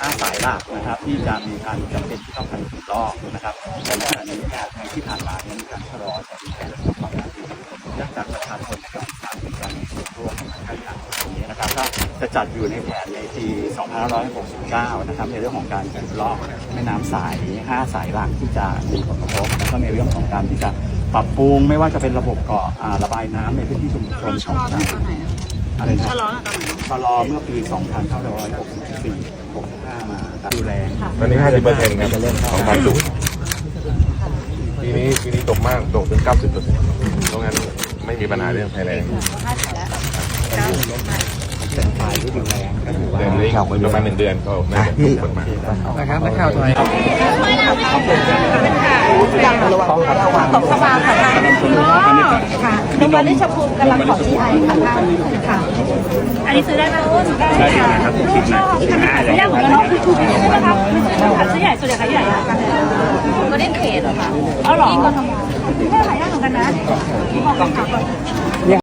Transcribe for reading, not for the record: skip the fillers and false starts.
5 สายหลักนะครับที่จะมีการจำเป็นที่ต้องการขุดลอกนะครับแต่ในขณะนี้ในที่ผ่านมามีการชะลอจากแผนของความน่าจะเนื่องจากประชาชนนะครับมีการมีส่วนร่วมในการจัดตรงนี้นะครับก็จะจัดอยู่ในแผนในปี 2569 นะครับในเรื่องของการขุดลอกแม่น้ำสาย 5 สายหลักที่จะมีผลกระทบแล้วก็ในเรื่องของการที่จะปรับปรุงไม่ว่าจะเป็นระบบเกาะระบายน้ำในพื้นที่ชุมชนของอะไรนะชะลอเมื่อปี 2564 65 มาดูแลตอนนี้ 50%ครับของความสูงปีนี้ตกมากตกถึง 90%เพราะงั้นไม่มีปัญหาเรื่องภัยแล้งแต่ปลายฤดูแล้งก็ถือว่าเดือนนี้ประมาณ1 เดือนก็น่าจะตกมากนะครับนักข่าวถอยของสภาค่ะท่านค่ะโรงพยาบาลนิชภูมิกำลังขอที่ไทยค่ะท่านค่ะ อันนี้ซื้อได้ไหมได้ค่ะลูกชอบไม่ยากเหมือนกันเนาะใช่ไหมคะซื้อใหญ่ส่วนใหญ่ขายใหญ่กันก็ได้เขตเหรอคะอ๋อเหรอก็ทำได้หลายอย่างเหมือนกันนะ